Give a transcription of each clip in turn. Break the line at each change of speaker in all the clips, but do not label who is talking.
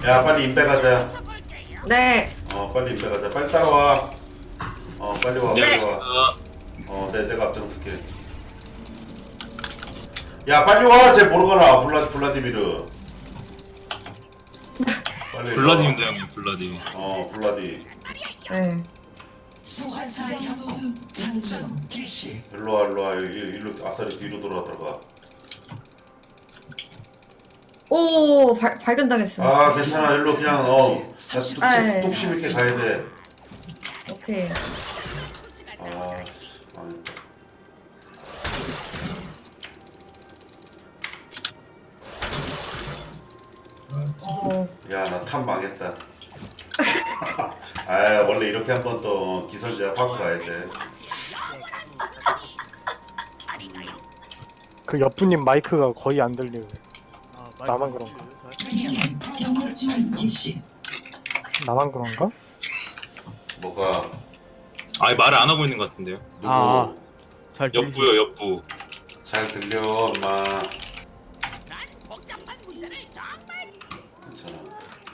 야 빨리 인베 가자.
네.
빨리 인베 가자. 빨리 따라와. 빨리 와.
네.
빨리 와. 내가 앞장설게. 야 빨리 와. 쟤 모르거나. 블라디미르. 빨리.
블라디입니다 형님 블라디.
블라디.
네.
소환사의 협곡 장전 개시.
일로 와. 일로 아싸리 뒤로 돌아들어가.
오, 발견당했어.
괜찮아. 일로 그냥 뚝심 있게 가야 돼.
오케이.
망했다. 야, 나 탑 망했다. 원래 이렇게 한번 또 기설제압 하고 가야 돼.
그 옆분님 마이크가 거의 안 들려요. 나만 그런가?
경고 지원 개시.
나만 그런가?
뭐가?
아예 말을 안 하고 있는 것 같은데요.
누구?
잘
옆부요 옆부.
잘 들려, 엄마. 괜찮아.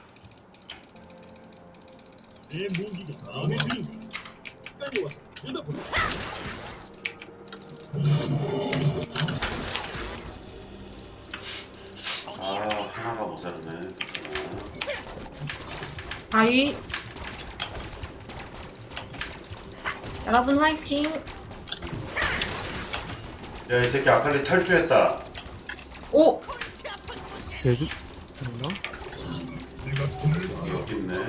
하나가 모자르네.
아이. 여러분 화이팅.
야, 이 새끼 아칼리 탈주했다.
오.
예주?
여기 있네.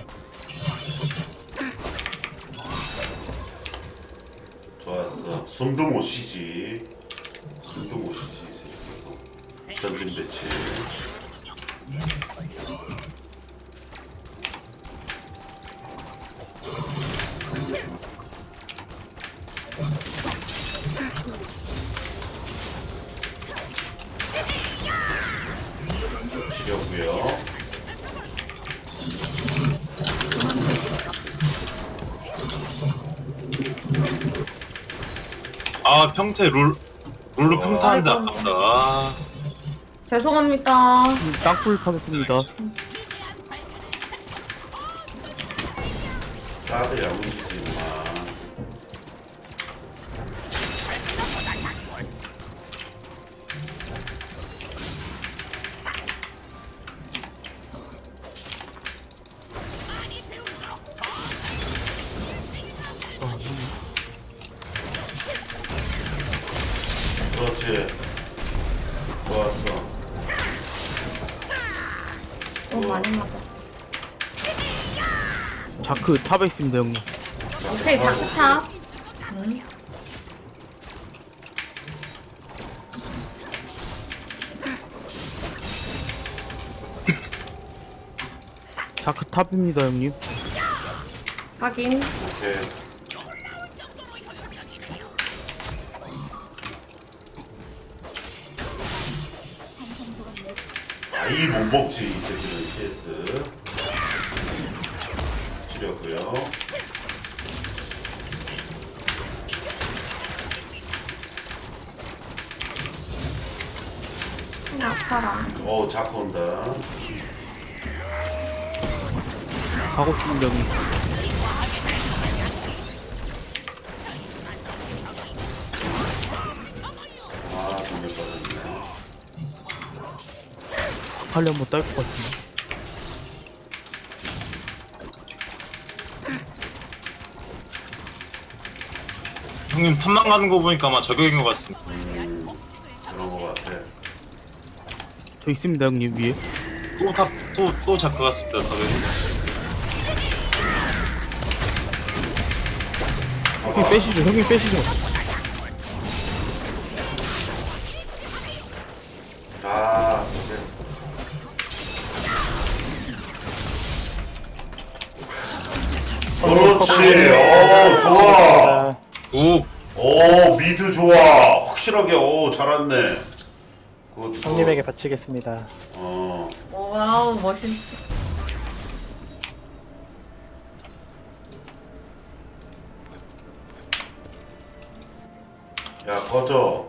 좋았어. 숨도 못 쉬지. 숨도 못 쉬지. 이 새끼도. 전진 배치. 지렸고요.
평태 룰로 평타하는데 아깝다.
죄송합니다.
땅굴 파겠습니다.
사드 야무지지 마. 그렇지. 좋았어.
너무 많이 맞아.
자크 탑에 있습니다 형님.
오케이, 자크탑.
자크 탑입니다 형님.
확인.
오케이. 아이 못 먹지 이 새끼는 CS. 줄였고요.
아파라.
자크 온다.
가고 있습니다 형님.
정말 빠졌네.
빨리 한번 딸 것 같은데.
형님 탑만 가는 거 보니까 아마 저격인 것 같습니다.
그런 거 같아.
저 있습니다 형님 위에.
또 자크 같습니다. 탑에.
형님 빼시죠. 형님 빼시죠.
그렇지. 좋아.
오
미드 좋아. 확실하게 잘았네.
형님에게 바치겠습니다.
와우, 멋있어.
야 꺼져.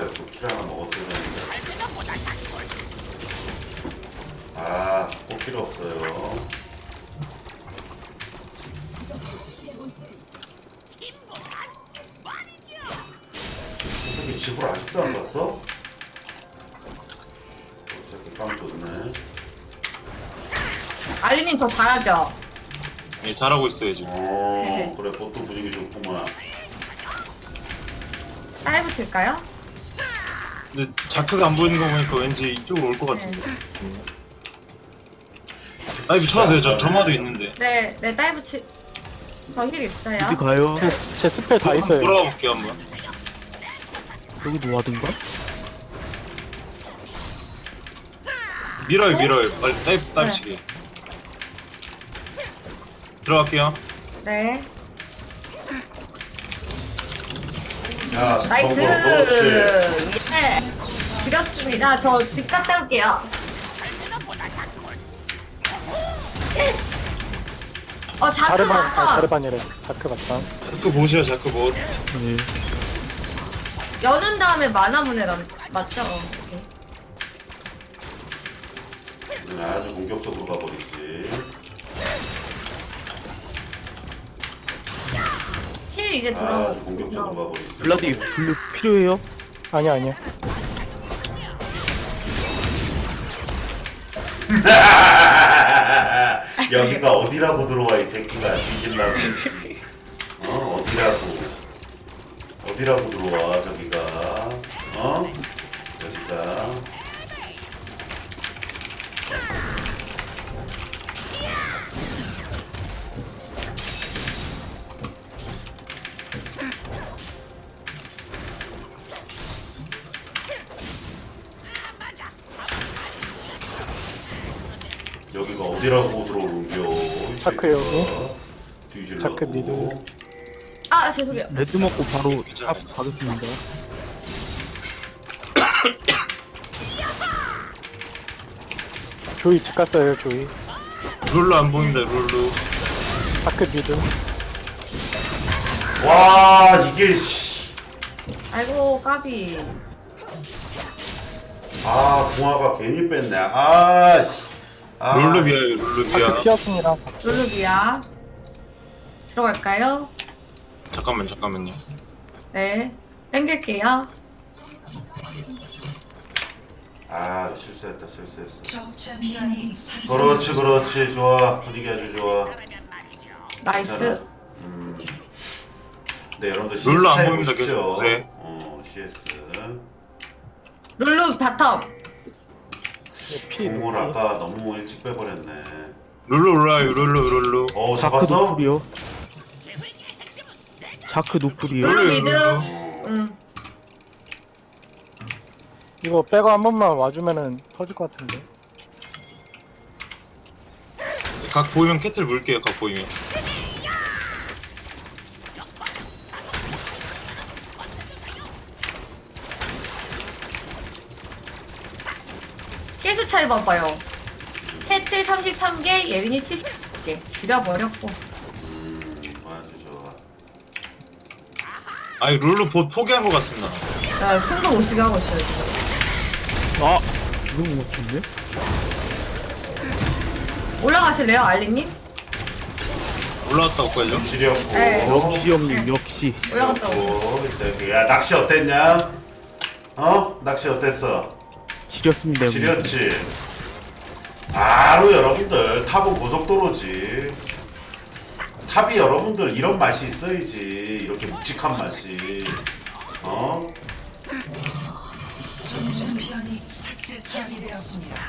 또 킬 하나 먹었어야 되는데. 아, 꼭 필요 없어요. 이 새끼 집을 아직도 안 갔어? 이 새끼 깜 좋네.
알리님 더 잘하죠?
예, 잘하고 있어요 지금.
그래, 보통 분위기 좋구만.
다이브 칠까요?
근데 자크가 안 보이는 거 보니까 왠지 이쪽으로 올 것 같은데. 다이브 쳐도 돼요. 저마도 있는데.
네, 네, 다이브 칠. 저 힐 있어요.
어디 가요?
제 스펠 다
한번
있어요.
돌아가 볼게요 한번.
여기 놓아둔가?
밀어요. 빨리 다이브
네.
치기. 들어갈게요.
네.
야,
나이스!
그렇지.
예. 죽였습니다. 저 집 갔다 올게요. 예스! 자크
자르반,
나왔다.
자르반이래. 자크 맞다.
자크 보시죠. 자크 뭐.
네.
여는 다음에 만화문해란 맞죠? 오케이.
아주 공격적으로 가버리지.
힐 이제
아주
돌아오고.
공격적으로 가버리지.
블라디 블루 필요해요?
아니야.
여기가 어디라고 들어와 이 새끼가 뒤질라고. 어디라고 들어와 저기가. 여기가. 여기가 어디라고 들어오는겨.
자크 여기.
뒤질라고.
자크 미드.
아, 죄송해요.
레드 먹고 바로 탑 가겠습니다.
조이 집 갔어요. 조이.
룰루 안 보인다. 룰루.
자크 미드.
와 이게 씨.
아이고, 까비.
아 궁화가 괜히 뺐네. 아 씨. 아.
룰루 비하요. 룰루
자크
비하.
피었습니다.
룰루비야. 들어갈까요?
잠깐만요.
네. 땡길게요.
아 실수했어.
적 챔피언이 사라졌습니다.
그렇지 좋아. 분위기 아주 좋아.
나이스.
괜찮아. 네 여러분들 CS
룰루 안
잘
보입니다,
보십시오.
계속. 네.
CS.
룰루 바텀.
피.
공을 아까 너무 일찍 빼버렸네.
룰루 올라요. 룰루.
자크
잡았어?
노플이요. 자크 노플이요.
룰루 미드.
어.
응.
이거 빼고 한 번만 와주면은 터질 것 같은데.
각 보이면 캐틀 물게요. 각 보이면.
CS 차이 봐봐요. 캐틀 33개, 예린이 70개. 지려버렸고.
아주 좋아.
아니 룰루 보 포기한 것 같습니다.
나 숨도 못 쉬게 하고 있어요, 지금.
아 이거 못 맞췄네.
올라가실래요, 알리님?
올라왔다 올까요?
지렸고.
네.
시험님 역시.
올라갔다 오고.
이 새끼. 야 낚시 어땠냐? 낚시 어땠어?
지렸습니다. 형님.
지렸지. 바로 여러분들 탑은 고속도로지. 탑이 여러분들 이런 맛이 있어야지. 이렇게 묵직한 맛이.
적 챔피언이 삭제 처리되었습니다.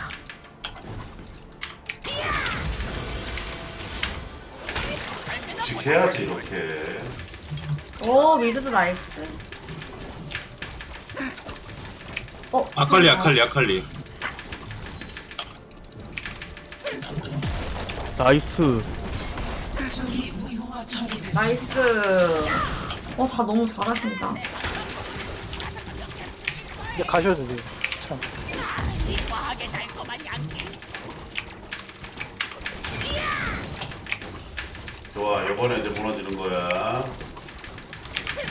묵직해야지 이렇게.
오, 미드도 나이스.
아칼리.
나이스.
적이 무효화 처리됐습니다.
나이스. 다 너무 잘하신다.
이제 가셔도 돼요. 참.
좋아 이번에 이제 무너지는 거야.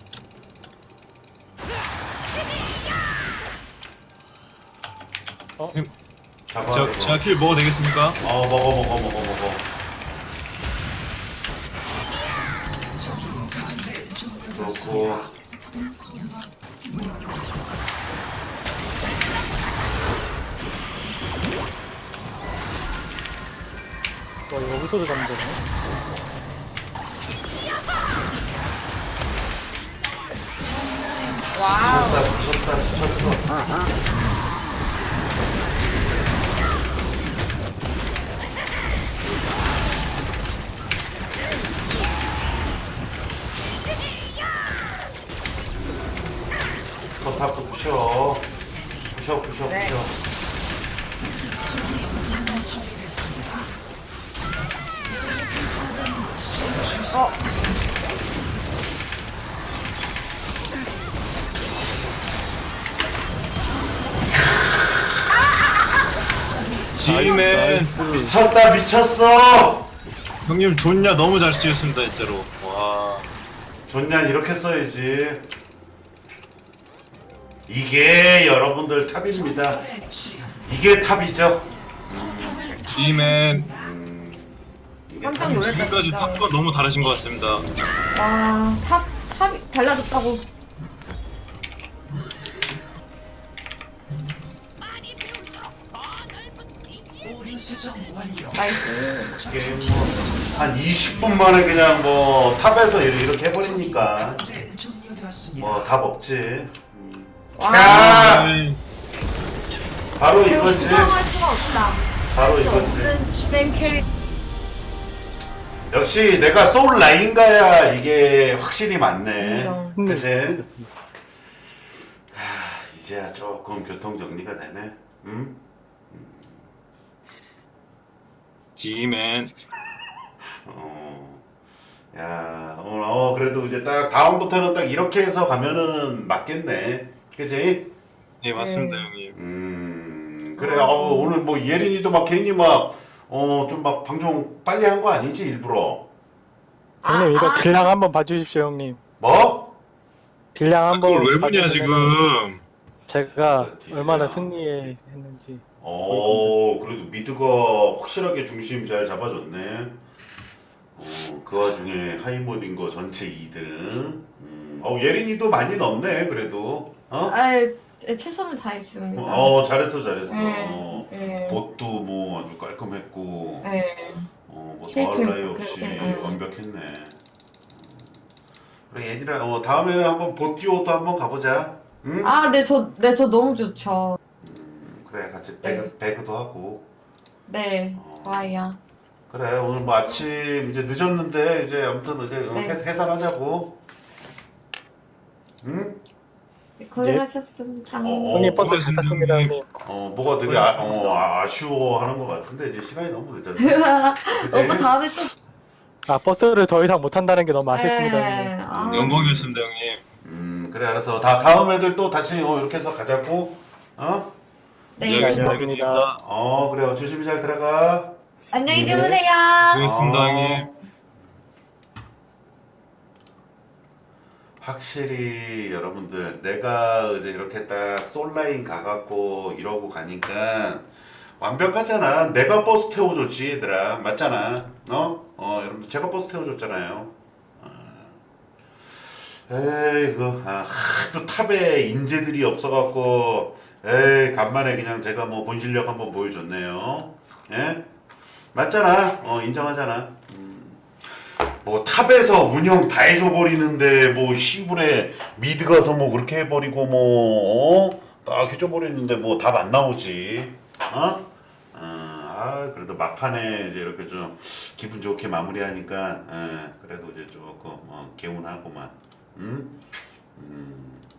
잡아.
제가 킬 먹어도 되겠습니까?
먹어. 그렇고.
와, 여기서도 잡는 거네.
와우.
미쳤어. 탑도 부셔.
네. 어,
지맨
미쳤어.
형님 좋냐 너무 잘 쓰였습니다 진짜로. 와.
존냐 이렇게 써야지. 이게 여러분들 탑입니다. 이게 탑이죠.
지맨
이게
깜짝 놀랐다,
지금까지
진짜.
탑과 너무 다르신 것 같습니다.
와, 탑이 달라졌다고.
오류 수정 완료.
나이스.
게임 뭐한 20분 만에 그냥 뭐 탑에서 이렇게 해버리니까
이제 종료되었습니다.
뭐 답 없지.
와,
야!
네.
바로
배우
이거지.
수정할 수가 없다.
바로 이거지.
없는 지맨 캐릭.
역시 내가 소울 라인가야 이게 확실히 맞네.
인정.
승리.
그치?
됐습니다.
이제야 조금 교통 정리가 되네. 응?
지맨
야, 오늘 그래도 이제 딱 다음부터는 딱 이렇게 해서 가면은 맞겠네. 그치?
네 맞습니다
네.
형님.
그래. 오늘 뭐 예린이도 막 괜히 막 좀 막 방송 빨리 한 거 아니지 일부러?
형님, 이거 딜량 한번 봐주십시오, 형님.
뭐?
딜량
아,
한번.
그걸 왜 보냐
봐주시면은
지금.
제가
딜량.
얼마나 승리했는지.
그래도 미드가 확실하게 중심 잘 잡아줬네. 그 와중에 하이모드인 거 전체 2등. 예린이도 많이 넣네, 그래도.
아이, 최선을 다했습니다.
잘했어.
네.
봇도 뭐 아주 깔끔했고,
네.
뭐
케이크
더할 나위 없이
그렇게,
완벽했네. 그래, 얘들아, 다음에는 한번 봇 듀오도 한번 가보자. 응?
아, 저 너무 좋죠.
그래, 같이
네.
배그도 하고.
네,
어.
좋아요.
그래, 오늘 뭐 아침 이제 늦었는데 이제 아무튼 이제
네.
해산하자고. 응?
네, 고생하셨습니다.
형님 버스
고맙습니다,
탔습니다,
형님.
형님.
뭐가 되게 아쉬워하는 것 같은데 이제 시간이 너무 늦었네. 그치?
오빠 다음에 또.
버스를 더 이상 못 탄다는 게 너무 아쉽습니다, 형님.
네. 아,
영광이었습니다 형님.
그래, 알았어. 다음 애들 또 다시 이렇게 해서 가자고.
네.
네, 알겠습니다.
알겠습니다.
그래, 조심히 잘 들어가.
안녕히
네.
주무세요.
수고했습니다 형님.
확실히 여러분들 내가 이제 이렇게 딱 솔라인 가갖고 이러고 가니까 완벽하잖아. 내가 버스 태워줬지 얘들아. 맞잖아. 여러분들 제가 버스 태워줬잖아요. 에이구, 하도 탑에 인재들이 없어갖고 간만에 그냥 제가 뭐 본 실력 한번 보여줬네요. 예? 맞잖아. 인정하잖아. 뭐 탑에서 운영 다 해줘버리는데 뭐 시불에 미드 가서 뭐 그렇게 해버리고 딱 해줘버리는데 뭐 답 안 나오지. 그래도 막판에 이제 이렇게 좀 기분 좋게 마무리하니까 그래도 이제 조금 개운하구만.